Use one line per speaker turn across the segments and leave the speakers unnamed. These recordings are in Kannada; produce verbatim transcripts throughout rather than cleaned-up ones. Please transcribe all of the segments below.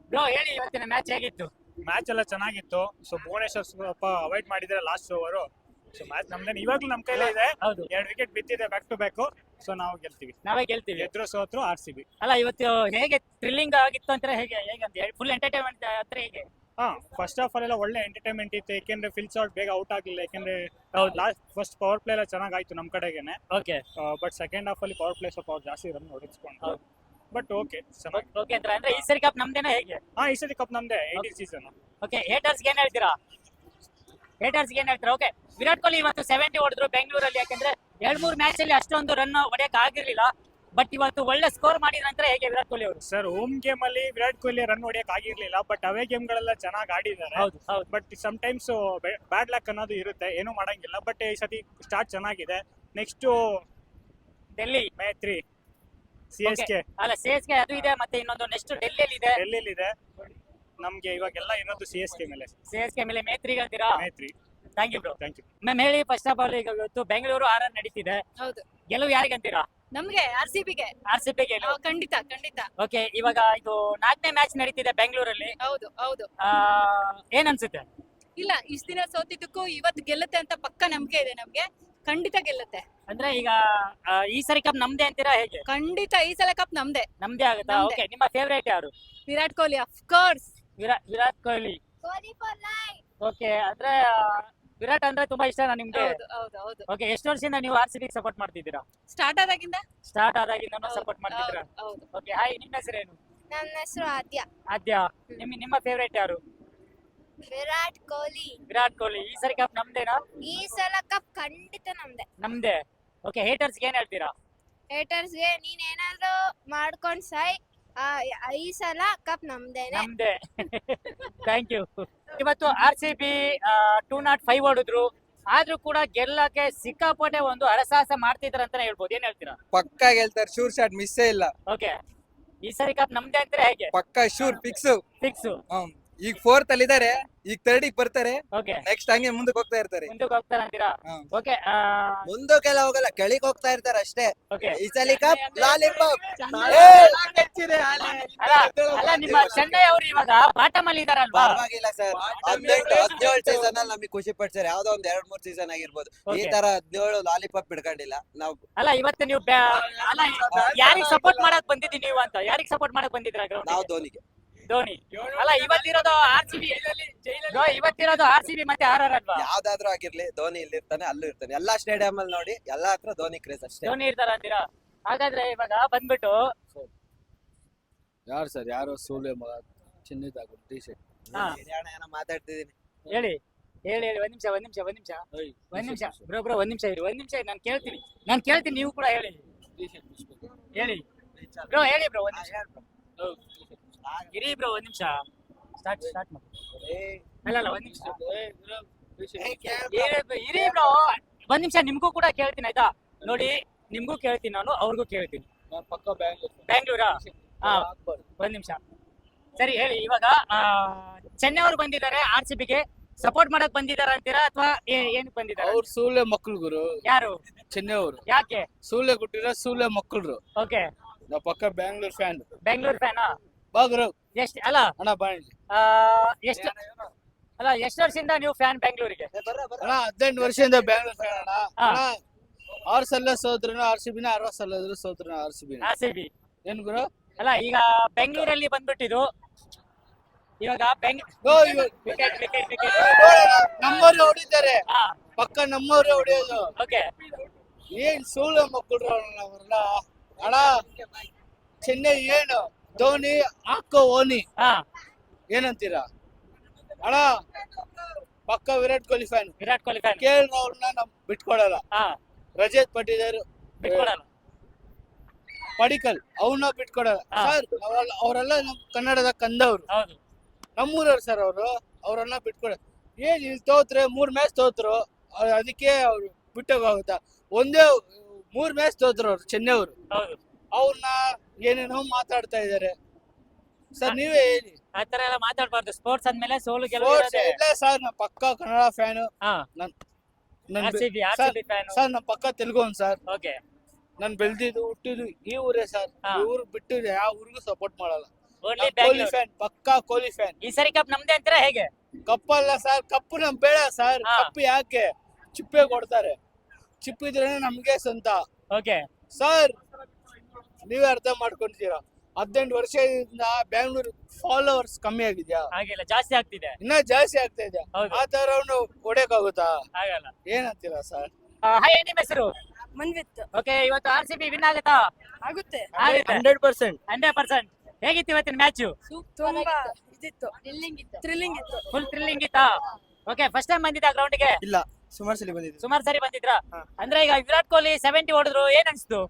ಬ್ರೋ ಹೇಳಿ ಇವತ್ತಿನ ಮ್ಯಾಚ್ ಹೇಗಿತ್ತು?
ಮ್ಯಾಚ್ ಎಲ್ಲ ಚೆನ್ನಾಗಿತ್ತು. ಸೊ ಭುವನೇಶ್ವರ್ ಸ್ವಲ್ಪ ಅವಾಯ್ಡ್ ಮಾಡಿದ್ರೆ ಲಾಸ್ಟ್ ಓವರ್. ಸೊ ಮ್ಯಾಚ್ ನಮ್ದೇನು ಇವಾಗ್ಲೂ ನಮ್ ಕೈಲೇ ಇದೆ.
ಹೌದು,
ಎರಡು ವಿಕೆಟ್ ಬಿತ್ತಿದೆ ಬ್ಯಾಕ್ ಟು ಬ್ಯಾಕ್. ಸೊ ನಾವು ಗೆಲ್ತೀವಿ.
ನಾವೇ ಗೆಲ್ತೀವಿ.
ಗೆದ್ರು ಸೋತ್ರು ಆರ್ ಸಿ ಬಿ.
ಅಲ್ಲ ಇವತ್ತು ಹೇಗೆ ಥ್ರಿಲ್ಲಿಂಗ್ ಆಗಿತ್ತು ಅಂತ ಹೇಗೆ ಹೇಗೆ ಅಂತ ಫುಲ್ ಎಂಟರ್ಟೈನ್ಮೆಂಟ್ ಹತ್ರ ಹೇಗೆ?
ಹಾ, ಫಸ್ಟ್ ಆಫ್ ಆಲ್ ಎಲ್ಲ ಒಳ್ಳೆ ಎಂಟರ್ಟೈನ್ಮೆಂಟ್ ಇತ್ತು. ಯಾಕೆಂದ್ರೆ ಫಿಲ್ ಶಾಟ್ ಬೇಗ ಔಟ್ ಆಗಿಲ್ಲ. ಯಾಕೆಂದ್ರೆ
ಹೌದು.
ಲಾಸ್ಟ್ ಫಸ್ಟ್ ಪವರ್ ಪ್ಲೇ ಎಲ್ಲ ಚೆನ್ನಾಗಾಯ್ತು ನಮ್ ಕಡೆಗೇನೆ.
ಓಕೆ
ಬಟ್ ಸೆಕೆಂಡ್ ಹಾಫ್ ಅಲ್ಲಿ ಪವರ್ ಪ್ಲೇ ಸ್ವಲ್ಪ ಅವ್ರು ಜಾಸ್ತಿ ರನ್ ಹೊಡೆಸ್ಕೊಂಡು.
ಹೌದು.
ಬಟ್ ಓಕೆ ಚೆನ್ನಾಗಿ.
ಓಕೆ ಅಂದ್ರೆ ಅಂದ್ರೆ ಈ ಸರಿ ಕಪ್ ನಮ್ದೇನಾ ಹೇಗೆ?
ಹಾ, ಈ ಸತಿ ಕಪ್ ನಮ್ದೇ ಏಯ್ಟಿ ಸೀಸನ್.
ಓಕೆ ಹೇಟರ್ಸ್ ಏನ್ ಹೇಳ್ತೀರಾ? ಹೇಟರ್ಸ್ ಏನ್ ಹೇಳ್ತೀರಾ? ಓಕೆ ವಿರಾಟ್ ಕೊಹ್ಲಿ ಇವತ್ತು ಸೆವೆಂಟಿ ಹೊಡೆದ್ರು ಬೆಂಗಳೂರಲ್ಲಿ. ಯಾಕಂದ್ರೆ ಎರಡ್ ಮೂರು ಮ್ಯಾಚ್ ಅಲ್ಲಿ ಅಷ್ಟೊಂದು ರನ್ ಹೊಡೆಯಕ್ ಆಗಿರ್ಲಿಲ್ಲ. ಬಟ್ ಇವತ್ತು ಒಳ್ಳೆ ಸ್ಕೋರ್ ಮಾಡಿದ ನಂತರ ಹೇಗೆ ವಿರಾಟ್ ಕೊಹ್ಲಿ ಅವರು?
ಸರ್, ಹೋಮ್ ಗೇಮ್ ಅಲ್ಲಿ ವಿರಾಟ್ ಕೊಹ್ಲಿ ರನ್ ಹೊಡಿಯಕ್ ಆಗಿರ್ಲಿಲ್ಲ. ಬಟ್ ಅವೇ ಗೇಮ್ ಗಳೆಲ್ಲ ಚೆನ್ನಾಗಿ ಆಡಿದ್ದಾರೆ.
ಹೌದು ಹೌದು
but sometimes bad luck ಅನ್ನೋದು ಇರುತ್ತೆ, ಏನು ಮಾಡಂಗಿಲ್ಲ. ಬಟ್ ಈ ಸತಿ ಸ್ಟಾರ್ಟ್ ಚೆನ್ನಾಗಿದೆ. Next
Delhi
May three C S K
ಅಲ್ಲ ಸಿ ಎಸ್ ಕೆ ಅದು ಇದೆ, ಮತ್ತೆ ಇನ್ನೊಂದು ನೆಕ್ಸ್ಟ್ ಡೆಲ್ಲಿಯಲ್ಲಿ ಇದೆ.
ಡೆಲ್ಲಿಲಿ ಇದೆ. ನಮ್ಗೆ ಇವಾಗೆಲ್ಲ ಇರೋದು ಸಿ ಎಸ್ ಕೆ ಮೇಲೆ.
ಸಿ ಎಸ್ ಕೆ ಮೇಲೆ ಮೇತ್ರಿ ಹೇಳ್ತೀರಾ?
May three.
Thank you bro.
Thank you
ma'am ಹೇಳಿ, ಫಸ್ಟ್ ಆಫ್ ಆಲ್ ಈಗ ಇವತ್ತು ಬೆಂಗಳೂರು ಆರ್ ಆರ್ ನಡೀತಿದೆ.
ಹೌದು,
ಗೆಲುವು ಯಾರಿಗಂತೀರಾ?
ನಮ್ಗೆ ಆರ್ ಸಿ ಬಿಗೆ.
ಆರ್ ಸಿ ಬಿ ಗೆಲುವು.
ಖಂಡಿತ ಖಂಡಿತ.
ಓಕೆ, ಇವಾಗ ಇದು ನಾಲ್ಕನೇ ಮ್ಯಾಚ್ ನಡೀತಿದೆ ಬೆಂಗಳೂರಲ್ಲಿ.
ಹೌದು ಹೌದು.
ಆ, ಏನ್ ಅನ್ಸುತ್ತೆ?
ಇಲ್ಲ, ಇಷ್ಟ ದಿನ ಸೋತಿದ್ದಕ್ಕೂ ಇವತ್ತು ಗೆಲ್ಲುತ್ತೆ ಅಂತ ಪಕ್ಕ ನಂಬಿಕೆ ಇದೆ ನಮ್ಗೆ. ಖಂಡಿತ ಗೆಲ್ಲುತ್ತೆ.
ಅಂದ್ರೆ ಈಗ ಆ, ಈ ಸರಿ ಕಪ್ ನಮ್ದೇ ಅಂತೀರಾ ಹೇಗೆ?
ಖಂಡಿತ ಈ ಸಲ ಕಪ್ ನಮ್ದೆ.
ನಮ್ದೇ ಆಗುತ್ತಾ?
ನಮ್ದೇ.
ಓಕೆ, ನಿಮ್ಮ ಫೇವರೇಟ್ ಯಾರು?
Virat Kohli of course.
Virat Virat Kohli. Okay, ಅಂದ್ರೆ ಆ, ವಿರಾಟ್ ಅಂದ್ರೆ ತುಂಬಾ ಇಷ್ಟ ನಿಮ್ಗೆ?
ಹೌದು ಹೌದು ಹೌದು.
ಓಕೆ, ಎಷ್ಟು ವರ್ಷದಿಂದ ನೀವು ಆರ್ ಸಿ ಬಿ ಸಪೋರ್ಟ್ ಮಾಡ್ತಿದ್ದೀರಾ?
ಸ್ಟಾರ್ಟ್ ಆದಾಗಿಂದ
ಸ್ಟಾರ್ಟ್ ಆದಾಗಿಂದ
ಹೌದು,
ಸಪೋರ್ಟ್ ಮಾಡ್ತಿದ್ದೀರಾ?
ಹೌದು, ಹೌದು.
ಓಕೆ, ಹಾಯ್, ನಿಮ್ಮ ಹೆಸರೇನು?
ನನ್ನ ಹೆಸರು ಆದ್ಯ.
ಆದ್ಯ. ನಿಮ್ ನಿಮ್ಮ ಫೇವರೇಟ್ ಯಾರು?
ವಿರಾಟ್ ಕೊಹ್ಲಿ.
ವಿರಾಟ್ ಕೊಹ್ಲಿ. ಈ ಸರಿ ಕಪ್ ನಮ್ದೇನಾ?
ಈ ಸಲ ಕಪ್ ಖಂಡಿತ ನಮ್ದೆ.
ನಮ್ದೇ. ಓಕೆ, ಹೇಟರ್ಸ್ ಏನ್ ಹೇಳ್ತೀರಾ?
ಹೇಟರ್ಸ್ಗೆ ನೀನ್ ಏನಾದ್ರು ಮಾಡ್ಕೊಂಡ್ ಸಾಯ್, ಆ, ಈ ಸಲ ಕಪ್ ನಮ್ದೇನೆ.
ನಮ್ದೇ. Thank you. ಇವತ್ತು R C B two nought five ಹೊಡಿದ್ರು, ಆದ್ರೂ ಕೂಡ ಗೆಲ್ಲಕ್ಕೆ ಸಿಕ್ಕಾಪಟ್ಟೆ ಒಂದು ಹರಸಾಹಸ ಮಾಡ್ತಿದ್ರ ಅಂತಾನೆ ಹೇಳ್ಬೋದು. ಏನ್ ಹೇಳ್ತೀರಾ?
ಪಕ್ಕ ಗೆಲ್ತಾರೆ, ಶೂರ್ ಶಾಟ್ ಮಿಸ್ಸೇ ಇಲ್ಲ.
ಓಕೆ, ಈ ಸರಿ ಕಪ್ ನಮ್ದೇ ಅಂತಾರೆ ಹೇಗೆ?
ಪಕ್ಕ ಶೂರ್ ಫಿಕ್ಸ್.
ಫಿಕ್ಸ್.
ಈಗ ಫೋರ್ತ್ ಅಲ್ಲಿ ಇದಾರೆ, ಈಗ ಥರ್ಡ್ ಬರ್ತಾರೆ.
ಓಕೆ,
ನೆಕ್ಸ್ಟ್ ಹಂಗೆ ಮುಂದಕ್ಕೆ ಹೋಗ್ತಾ ಇರ್ತಾರೆ.
ಮುಂದಕ್ಕೆ ಹೋಗ್ತಾರ ಅಂತೀರಾ?
ಹ್ಮ್.
ಓಕೆ
ಮುಂದಕ್ಕೆಲ್ಲ ಹೋಗಲ್ಲ, ಕೆಳಗೆ ಹೋಗ್ತಾ ಇರ್ತಾರೆ ಅಷ್ಟೇ.
ಓಕೆ.
ಈ ಸಲ ಕಪ್ ಲಾಲಿಪಾಪ್.
ಅಲ್ಲ ಅಲ್ಲ ನಿಮ್ಮ ಚೆನ್ನೈ ಅವರು ಇವಾಗ ಬಾಟಮ್ ಅಲ್ಲಿ ಇದಾರಲ್ವಾ?
ಪರವಾಗಿಲ್ಲ ಸರ್, ಹದಿನೆಂಟು ಹದಿನೇಳು ಸೀಸನ್ ಅಲ್ಲಿ ನಮಗೆ ಖುಷಿ ಪಡ್ತಾರೆ. ಯಾವ್ದೋ ಒಂದ್ ಎರಡ್ ಮೂರ್ ಸೀಸನ್ ಆಗಿರ್ಬೋದು. ಈ
Okay.
ತರ ಹದಿನೇಳು ಲಾಲಿಪಾಪ್ ಬಿಡ್ಕೊಂಡಿಲ್ಲ ನಾವು.
ಅಲ್ಲ ಇವತ್ತು ನೀವು ಬ್ಯಾ- ಅಲ್ಲ ಯಾರಿಗ್ ಸಪೋರ್ಟ್ ಮಾಡಕ್ ಬಂದಿದ್ದೀವಿ ನೀವು ಅಂತ? ಯಾರಿಗ್ ಸಪೋರ್ಟ್ ಮಾಡಕ್ ಬಂದಿದ್ರ?
ನಾವು ಧೋನಿಗೆ.
ಧೋನಿ. ಅಲ್ಲ ಇವತ್ತಿರೋದು ಆರ್ ಸಿ ಬಿ. ಇವತ್ತಿರೋದು ಆರ್ ಸಿ ಬಿ ಮತ್ತೆ ಆರ್ ಆರ್ ಅಲ್ವಾ?
ಯಾವ್ದಾದ್ರು ಆಗಿರ್ಲಿ, ಧೋನಿ ಇಲ್ಲಿ ಇರ್ತಾನೆ, ಅಲ್ಲೂ ಇರ್ತಾನೆ. ಎಲ್ಲಾ ಸ್ಟೇಡಿಯಂ ಅಲ್ಲಿ ನೋಡಿ, ಎಲ್ಲಾ ಹತ್ರ ಧೋನಿ ಕ್ರೇಜ್ ಅಷ್ಟೇ.
ಧೋನಿ ಇರ್ತಾರ ಅಂತೀರಾ? ಹಾಗಾದ್ರೆ ಇವಾಗ ಬಂದ್ಬಿಟ್ಟು
ಯಾರು ಸರ್? ಯಾರೋ ಸೂಲೆ ಮಗ ಚಿನ್ನದಾಗು ಟಿ ಶರ್ಟ್.
ಹಾ.
ಏನೋ ಮಾತಾಡ್ತಿದೀನಿ.
ಹೇಳಿ ಹೇಳಿ ಹೇಳಿ ಒಂದ್ ನಿಮಿಷ ಒಂದ್ ನಿಮಿಷ ಒಂದ್ ನಿಮಿಷ ಒಂದ್ ನಿಮಿಷ ಬ್ರೋ ಬ್ರೋ ಒಂದ್ ನಿಮಿಷ ಇರಿ, ಒಂದ್ ನಿಮಿಷ ನಾನು ಕೇಳ್ತೀನಿ ನಾನು ಕೇಳ್ತೀನಿ ನೀವು ಕೂಡ ಹೇಳಿ ಹೇಳಿ ಬ್ರೋ ಹೇಳಿ ಬ್ರೋ ಒಂದ್ ನಿಮಿಷ ಇರಿ ಬ್ರೋ ಒಂದ್ ನಿಮಿಷ ಸ್ಟಾರ್ಟ್ ಸ್ಟಾರ್ಟ್ ಮಾಡಿ. ಅಲ್ಲ ಅಲ್ಲ ಒಂದ್ ನಿಮಿಷ ಇರಿ ಬ್ರೋ ಒಂದ್ ನಿಮಿಷ ನಿಮ್ಗೂ ಕೂಡ ಕೇಳ್ತೀನಿ ಆಯ್ತಾ? ನೋಡಿ ನಿಮ್ಗೂ ಕೇಳ್ತೀನಿ, ನಾನು ಅವ್ರಿಗೂ ಕೇಳ್ತೀನಿ.
ಪಕ್ಕ ಬ್ಯಾಂಗ್ಳೂರ್.
ಬ್ಯಾಂಗ್ಳೂರಾ? ಹಾ, ಒಂದ್ ನಿಮಿಷ ಸರಿ ಹೇಳಿ. ಇವಾಗ ಆ, ಚೆನ್ನೈ ಅವರು ಬಂದಿದ್ದಾರೆ ಆರ್ ಸಿ ಬಿಗೆ, ಸಪೋರ್ಟ್ ಮಾಡಕ್ ಬಂದಿದಾರ ಅಂತೀರಾ ಅಥವಾ ಏನಕ್ಕೆ ಬಂದಿದ್ದಾರೆ?
ಅವ್ರು ಸೂಲೆ ಮಕ್ಕಳು ಗುರು.
ಯಾರು?
ಚೆನ್ನೈ ಅವರು.
ಯಾಕೆ?
ಸೂಲೆ ಕೊಟ್ಟಿರೋ ಸೂಲೆ ಮಕ್ಕಳು.
ಓಕೆ,
ನಾವು ಪಕ್ಕ ಬ್ಯಾಂಗ್ಳೂರ್ ಫ್ಯಾನ್.
ಬೆಂಗಳೂರು ಫ್ಯಾನಾ?
ಬಾ ಗುರು.
ಎಷ್ಟ್ ಅಲ್ಲ
ಅಣ್ಣ ಬಾಂಡ್ಲಿ.
ಆ, ಎಷ್ಟು ಅಲ್ಲ ಎಷ್ಟು ವರ್ಷದಿಂದ ನೀವು ಫ್ಯಾನ್ ಬೆಂಗಳೂರಿಗೆ?
ಅಣ್ಣ ಹದಿನೆಂಟು ವರ್ಷದಿಂದ ಬ್ಯಾಂಗ್ಳೂರ್ ಫ್ಯಾನ್ ಅಣ್ಣ.
ಹಾ.
ಅಣ್ಣ ಆರ್ ಸಲ ಸೋದ್ರನು ಆರ್ ಸಿ ಬಿನ, ಅರವತ್ ಸಲ ಸೋದ್ರನು ಆರ್ ಸಿ ಬಿನ.
R C B.
ಏನ್ ಗುರು?
ಅಲ್ಲ ಈಗ ಬೆಂಗಳೂರಲ್ಲಿ ಬಂದ್ಬಿಟ್ಟಿದ್ದು ಇವಾಗ ಬೆಂಗ್
ಓ, ಇವ-
ವಿಕೆಟ್ ವಿಕೆಟ್ ವಿಕೆಟ್.
ನಮ್ಮವ್ರೆ ಹೊಡಿತಾರೆ,
ಹಾ,
ಪಕ್ಕ ನಮ್ಮವ್ರೆ ಹೊಡಿಯೋದು.
ಓಕೆ.
ಏನ್ ಸೂಳೆ ಮಕ್ಕಳು ಅವರೆಲ್ಲ. ಅಣ್ಣ ಚೆನ್ನೈ ಏನು ಧೋನಿ ಹಾಕೋ ಓನಿ
ಹಾ,
ಏನಂತೀರಾ ಅಣ್ಣ? ಪಕ್ಕ ವಿರಾಟ್ ಕೊಹ್ಲಿ ಫ್ಯಾನ್.
ವಿರಾಟ್ ಕೊಹ್ಲಿ ಫ್ಯಾನ್.
ಕೇಳಿ ಅವ್ರನ್ನ ನಮ್ ಬಿಟ್ಕೊಡಲ್ಲ.
ಹಾ,
ರಜತ್ ಪಟ್ಟಿದಾರ್,
ಬಿಟ್ಕೊಡಲ್ಲ.
ಪಡಿಕಲ್ ಅವ್ರನ್ನ ಬಿಟ್ಕೊಡಲ್ಲ
ಹಾ.
ಸರ್. ನಾವೆಲ್ಲ ಅವರೆಲ್ಲ ನಮ್ ಕನ್ನಡದ ಕಂದವ್ರು,
ಹೌದು.
ನಮ್ಮೂರವ್ರು ಸರ್ ಅವರು. ಅವ್ರನ್ನ ಬಿಟ್ಕೊಡ ಏನ್ ಇಲ್ಲಿ ತೋತ್ರೆ ಮೂರ್ ಮ್ಯಾಚ್ ತೋತ್ರು, ಅ- ಅದಕ್ಕೆ ಅವ್ರು ಬಿಟ್ಟೋಗುತ್ತಾ? ಒಂದೇ ಮೂರ್ ಮ್ಯಾಚ್ ತೋತ್ರು ಅವ್ರು ಚೆನ್ನೈ ಅವರು.
ಹೌದು,
ಅವ್ರನ್ನ ಏನೇನೋ ಮಾತಾಡ್ತಾ ಇದಾರೆ ಸರ್. ನೀವೇ ಹೇಳಿ.
ಆತರ ಎಲ್ಲ ಮಾತಾಡ್ಬಾರ್ದು. ಸ್ಪೋರ್ಟ್ಸ್ ಅಂದ್ಮೇಲೆ ಸೋಲು ಗೆಲುವು
Sports
ಇರೋದೇ.
ಇಲ್ಲ ಸರ್, ನಮ್ ಪಕ್ಕ ಕನ್ನಡ ಫ್ಯಾನ್.
ಹಾ,
ನನ್
R C B R C B fan.
Sir ನಮ್ ಪಕ್ಕ ತೆಲುಗು ಸರ್.
ಓಕೆ.
ನಾನ್ ಬೆಳ್ದಿದ್ದು ಹುಟ್ಟಿದ್ದು ಈ ಊರೇ ಸರ್.
ಹಾ.
ಈ ಊರು ಬಿಟ್ಟು ಯಾವ ಊರಿಗೂ ಸಪೋರ್ಟ್ ಮಾಡಲ್ಲ.
ಓನ್ಲಿ
ಕೊಹ್ಲಿ
ಬ್ಯಾಂಗ್ಳೂರ್
ಫ್ಯಾನ್ ಪಕ್ಕಾ ಕೊಹ್ಲಿ ಫ್ಯಾನ್
ಈ ಸರಿ ಕಪ್ ನಮ್ದೇ ಅಂತೀರಾ ಹೇಗೆ
ಕಪ್ ಅಲ್ಲ ಸರ್ ಕಪ್ಪು ನಮ್ ಬೇಡ ಸರ್
ಹಾ.
ಕಪ್ಪು ಯಾಕೆ ಚಿಪ್ಪೆ ಕೊಡ್ತಾರೆ ಚಿಪ್ಪಿದ್ರೆ ನಮ್ಗೆ ಸ್ವಂತ
ಓಕೆ
ಸರ್ ನೀವೇ ಅರ್ಥ ಮಾಡ್ಕೊಂತೀರಾ ಹದಿನೆಂಟು ವರ್ಷದಿಂದ ಬ್ಯಾಂಗ್ಳೂರ್ ಫಾಲೋವರ್ಸ್ ಕಮ್ಮಿ ಆಗಿದ್ಯಾ
ಹಾಗಿಲ್ಲ ಜಾಸ್ತಿ ಆಗ್ತಿದೆ
ಇನ್ನ ಜಾಸ್ತಿ ಆಗ್ತಾ ಇದೆ
ಹೌದು.
ಆ ತರ ಅವನು ಹೊಡೆಯಕ್ಕಾಗುತ್ತಾ
ಆಗಲ್ಲ
ಏನಂತೀರಾ ಸರ್
ಹಾಯ್ ನಿಮ್ಮ ಹೆಸರು
ಮನ್ವಿತ್ತು
ಓಕೆ ಇವತ್ತು ಆರ್ ಸಿ ಬಿ ವಿನ್ ಆಗುತ್ತಾ
ಆಗುತ್ತೆ
ಆಗುತ್ತೆ
ಹಂಡ್ರೆಡ್ ಪರ್ಸೆಂಟ್
ಹಂಡ್ರೆಡ್ ಪರ್ಸೆಂಟ್ ಹೇಗಿತ್ತು ಇವತ್ತಿನ ಮ್ಯಾಚು
ತುಂಬಾ ಇದಿತ್ತು
ಥ್ರಿಲ್ಲಿಂಗ್ ಇತ್ತು
ಥ್ರಿಲ್ಲಿಂಗ್ ಇತ್ತು
ಫುಲ್ ಥ್ರಿಲ್ಲಿಂಗ್ ಇತ್ತಾ ಓಕೆ ಫಸ್ಟ್ ಟೈಮ್ ಬಂದಿದ್ದ ಗ್ರೌಂಡ್ ಗೆ
ಇಲ್ಲ ಸುಮಾರು ಸಲ ಬಂದಿದೆ
ಸುಮಾರು ಸರಿ ಬಂದಿದ್ರಾ
ಹಾ.
ಅಂದ್ರೆ ಈಗ ವಿರಾಟ್ ಕೊಹ್ಲಿ ಸೆವೆಂಟಿ ಹೊಡೆದ್ರು ಏನ್ ಅನ್ಸ್ತು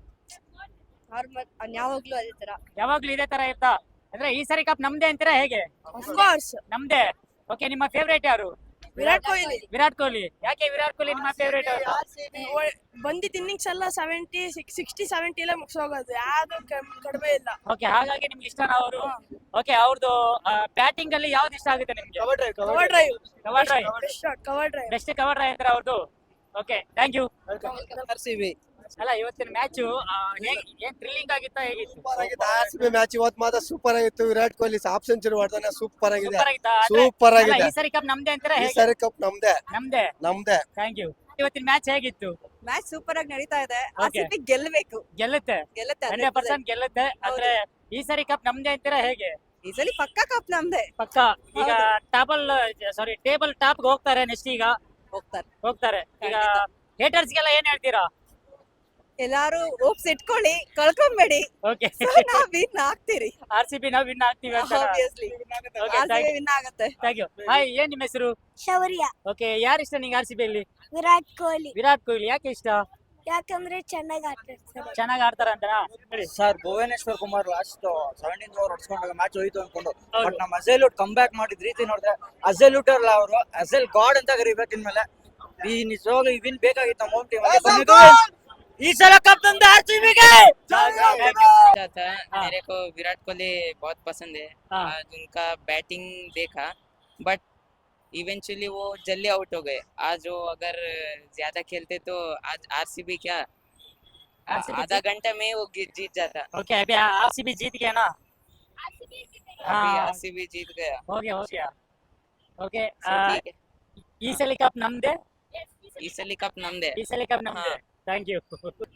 ನಾರ್ಮಲ್ ಯಾವಾಗ್ಲೂ ಅದೇ ತರ
ಯಾವಾಗ್ಲೂ ಇದೇ ತರ ಇರ್ತಾ ಅಂದ್ರೆ ಈ ಸರಿ ಕಪ್ ನಮ್ದೇ ಅಂತೀರಾ ಹೇಗೆ
ಕೋರ್ಸ್
ನಮ್ದೇ ಓಕೆ ನಿಮ್ಮ ಫೇವರೇಟ್ ಯಾರು
ವಿರಾಟ್ ಕೊಹ್ಲಿ
ವಿರಾಟ್ ಕೊಹ್ಲಿ ಯಾಕೆ ವಿರಾಟ್ ಕೊಹ್ಲಿ ನಿಮ್ಮ ಫೇವರೇಟ್
ಬಂದಿದ್ದ ಇನ್ನಿಂಗ್ಸ್ ಎಲ್ಲ ಸೆವೆಂಟಿ ಸಿಕ್ಸ್ಟಿ ಸೆವೆಂಟಿ ಎಲ್ಲ ಮುಗಿಸೋಗೋದು ಯಾವ್ದು ಕಡಿಮೆ ಇಲ್ಲ
ಓಕೆ ಹಾಗಾಗಿ ನಿಮ್ಗೆ ಇಷ್ಟನಾ ಅವರು ಓಕೆ ಅವ್ರದ್ದು ಬ್ಯಾಟಿಂಗ್ ಅಲ್ಲಿ ಯಾವ್ದು ಇಷ್ಟ ಆಗುತ್ತೆ ನಿಮ್ಗೆ
cover drive
cover drive
cover drive
best shot cover drive
best cover drive ಅಂತಾರೆ ಅವ್ರದ್ದು okay thank you
R C B
ಅಲ್ಲ ಇವತ್ತಿನ ಮ್ಯಾಚು ಏನ್ ಥ್ರಿಲ್ಲಿಂಗ್ ಆಗಿತ್ತಾ ಹೇಗಿತ್ತು
ಆರ್ ಸಿ ಬಿ ಮ್ಯಾಚ್ ಇವತ್ತು ಮಾತ್ರ ಸೂಪರ್ ಆಗಿತ್ತು ವಿರಾಟ್ ಕೊಹ್ಲಿ ಹಾಫ್ ಸೆಂಚುರಿ ಹೊಡೆದಾನೆ ಸೂಪರ್ ಆಗಿದೆ
ಸೂಪರ್ ಆಗಿತ್ತಾ ಅಂದ್ರೆ-
ಸೂಪರ್
ಅಲ್ಲ,
ಆಗಿದೆ
ಈ ಸರಿ ಕಪ್ ನಮ್ದೇ ಅಂತೀರಾ
ಈ
ಹೇಗೆ
ಸರಿ ಕಪ್ ನಮ್ದೇ
ನಮ್ದೇ
ನಮ್ದೇ
ಥ್ಯಾಂಕ್ ಯು ಇವತ್ತಿನ ಮ್ಯಾಚ್ ಹೇಗಿತ್ತು
ಮ್ಯಾಚ್ ಸೂಪರ್ ಆಗಿ ನಡೀತಾ ಇದೆ
Okay.
ಆರ್ಸಿಬಿ ಗೆಲ್ಲಬೇಕು
ಗೆಲ್ಲುತ್ತೆ
ಗೆಲ್ಲುತ್ತೆ
ಹಂಡ್ರೆಡ್ ಪರ್ಸೆಂಟ್ ಗೆಲ್ಲುತ್ತೆ ಅಂದ್ರೆ ಈ ಸರಿ ಕಪ್ ನಮ್ದೇ ಅಂತೀರಾ ಹೇಗೆ
ಈ ಸಲ ಪಕ್ಕಾ ಕಪ್ ನಮ್ದೆ
ಪಕ್ಕ ಈಗ ಟಾಬಲ್ ಸಾರಿ ಟೇಬಲ್ ಟಾಪ್ ಹೋಗ್ತಾರೆ ನೆಕ್ಸ್ಟ್ ಈಗ
ಹೋಗ್ತಾರೆ
ಹೋಗ್ತಾರೆ ಈಗ ಹೇಟರ್ಸ್ ಗೆಲ್ಲ ಏನ್ ಹೇಳ್ತೀರಾ
ಎಲ್ಲಾರು ಹೋಪ್ಸ್ ಇಟ್ಕೊಳ್ಳಿ ಕಳ್ಕೊಂಬೇಡಿ
ಓಕೆ
ನಾವ್ ವಿನ್ ಆಗ್ತೀರಿ
ಆರ್ ಸಿ ಬಿ ನಾವು ವಿನ್ ಆಗ್ತೀವಿ ಅಂತ
obviously
Okay, thank you.
Win ಆಗುತ್ತೆ
ಥ್ಯಾಂಕ್ ಯು ಹಾಯ್ ಏನ್ ನಿಮ್ಮ ಹೆಸರು
ಶೌರ್ಯ
ಓಕೆ ಯಾರು ಇಷ್ಟ ನಿಂಗೆ ಆರ್ ಸಿ ಬಿ ಅಲ್ಲಿ
ವಿರಾಟ್ ಕೊಹ್ಲಿ
ವಿರಾಟ್ ಕೊಹ್ಲಿ ಯಾಕೆ ಇಷ್ಟ
ಯಾಕಂದ್ರೆ ಚೆನ್ನಾಗಿ ಆಡ್ತಾರೆ
ಚೆನ್ನಾಗಿ ಆಡ್ತಾರ ಅಂತನಾ ಹೇಳಿ
sir Bhuvneshwar Kumar last seventeen over ಹೊಡ್ಸ್ಕೊಂಡಾಗ ಮ್ಯಾಚ್ ಹೋಯ್ತು ಅನ್ಕೊಂಡು
ಹೌದು.
ಬಟ್ ನಮ್ಮ ಅಜೆಲ್ಯೂಟ್ ಕಮ್ ಬ್ಯಾಕ್ ಮಾಡಿದ ರೀತಿ ನೋಡಿದ್ರೆ ಅಜೆಲ್ಯೂಟ್ ಅಲ್ಲ ಅವರು ಅಜೆಲ್ ಗಾಡ್ ಅಂತ ಕರಿಬೇಕು ಇನ್ಮೇಲೆ ಈ ನಿಜವಾಗ್ಲೂ ಈ ವಿನ್ ಬೇಕಾಗಿತ್ತು ನಮ್ಮ ಟೀಮ್ ಈ ಸಲ ಕಪ್ ತಂದ ಆರ್ ಸಿ ಬಿಗೆ
अच्छा था मेरे को विराट कोहली बहुत पसंद है
हाँ।
आज उनका बैटिंग देखा बट इवेंचुअली वो जल्दी आउट हो गए आज वो अगर ज्यादा खेलते तो आज आरसीबी क्या
R C B
आधा घंटा में वो गी- जीत जाता
ओके अभी आर सी बी जीत गया ना
अभी
हाँ
आरसीबी जीत गया
हो गया हो गया ओके
So, ठीक है
ಈ ಸಲ ಕಪ್ ನಮ್ದೇ
ಈ ಸಲ ಕಪ್ ನಮ್ದೆ
ಈ ಸಲ ಕಪ್ ನಮ್ದೇ ಥ್ಯಾಂಕ್ ಯು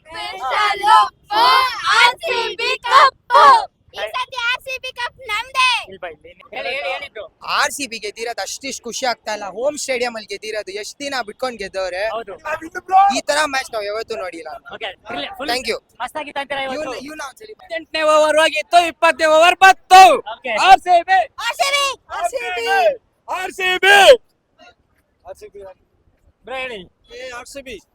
ಆರ್ಸಿಬಿ ಕಪ್ ಈ ಸತಿ ಆರ್ಸಿಬಿ ಕಪ್ ನಮ್ದೇ
ಇಲ್ಲಿ ಬಾ ಇಲ್ಲಿ ಹೇಳಿ ಹೇಳಿ ಹೇಳಿದ್ರು
ಆರ್ ಸಿ ಬಿ ಗೆದ್ದಿರೋದು ಅಷ್ಟಿಷ್ಟು ಖುಷಿ ಆಗ್ತಾ ಇಲ್ಲ ಹೋಮ್ ಸ್ಟೇಡಿಯಂ ಅಲ್ಲಿ ಗೆದ್ದಿರೋದು ಎಷ್ಟ್ ದಿನ ಬಿಟ್ಕೊಂಡ್ ಗೆದ್ದವ್ರೆ
ಹೌದು
ಈ ತರ ಮ್ಯಾಚ್ ನಾವ್ ಯಾವತ್ತೂ ನೋಡಿಲ್ಲ
ಓಕೆ ಫುಲ್
ಥ್ಯಾಂಕ್ ಯು
ಮಸ್ತ್ ಆಗಿತ್ತು ಅಂತೀರಾ ಇವತ್ತು
ಹದಿನೆಂಟನೇ ಓವರ್ ಹೋಗಿತ್ತು ಇಪ್ಪತ್ತನೇ ಓವರ್ ಬತ್ತು
okay
R C B
RCB RCB
R C B
bro ಹೇಳಿ
ಆರ್ ಸಿ ಬಿ